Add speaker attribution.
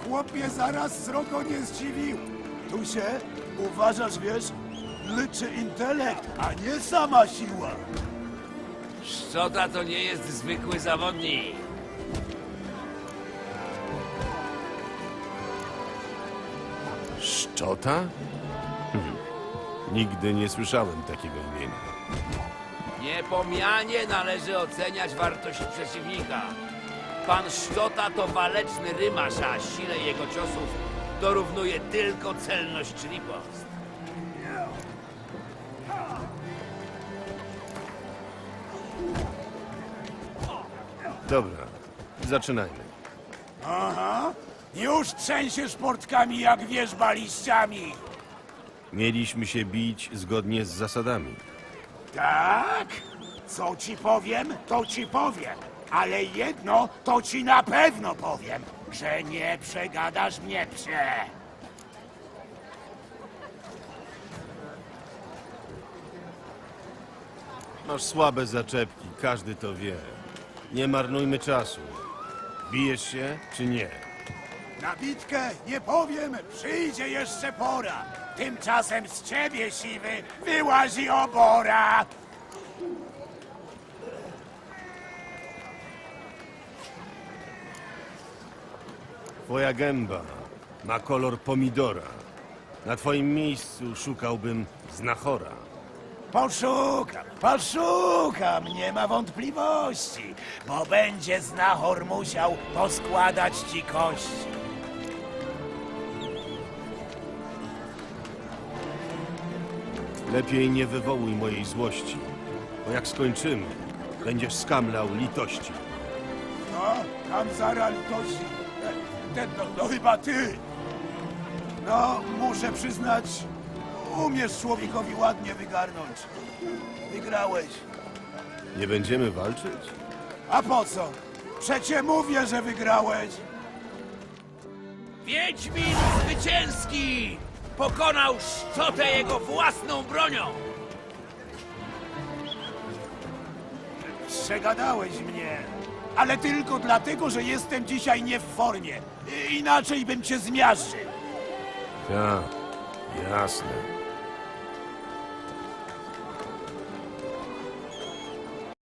Speaker 1: chłopie zaraz srogo nie zdziwił. Tu się, uważasz, wiesz, liczy intelekt, a nie sama siła.
Speaker 2: Szczota to nie jest zwykły zawodnik.
Speaker 3: Szczota? Nigdy nie słyszałem takiego imienia.
Speaker 2: Niepomianie należy oceniać wartość przeciwnika. Pan Szczota to waleczny rymarz, a sile jego ciosów dorównuje tylko celność czy ripost.
Speaker 3: Dobra, zaczynajmy.
Speaker 1: Aha, już trzęsiesz portkami jak wierzba liściami.
Speaker 3: Mieliśmy się bić zgodnie z zasadami.
Speaker 1: Tak? Co ci powiem, to ci powiem. Ale jedno to ci na pewno powiem, że nie przegadasz mnie, psie.
Speaker 3: Masz słabe zaczepki, każdy to wie. Nie marnujmy czasu. Bijesz się, czy nie?
Speaker 1: Na bitkę nie powiem, przyjdzie jeszcze pora. Tymczasem z ciebie, siwy, wyłazi obora.
Speaker 3: Twoja gęba ma kolor pomidora. Na twoim miejscu szukałbym znachora.
Speaker 1: Poszukam, nie ma wątpliwości, bo będzie znachor musiał poskładać ci kości.
Speaker 3: Lepiej nie wywołuj mojej złości, bo jak skończymy, będziesz skamlał litości.
Speaker 1: No, Kamzara litości. To chyba ty. No, muszę przyznać, umiesz człowiekowi ładnie wygarnąć. Wygrałeś.
Speaker 3: Nie będziemy walczyć?
Speaker 1: A po co? Przecie mówię, że wygrałeś.
Speaker 2: Wiedźmin zwycięski! Pokonał Szczotę jego własną bronią!
Speaker 1: Przegadałeś mnie. Ale tylko dlatego, że jestem dzisiaj nie w formie. Inaczej bym cię zmiażdżył.
Speaker 3: Tak, jasne.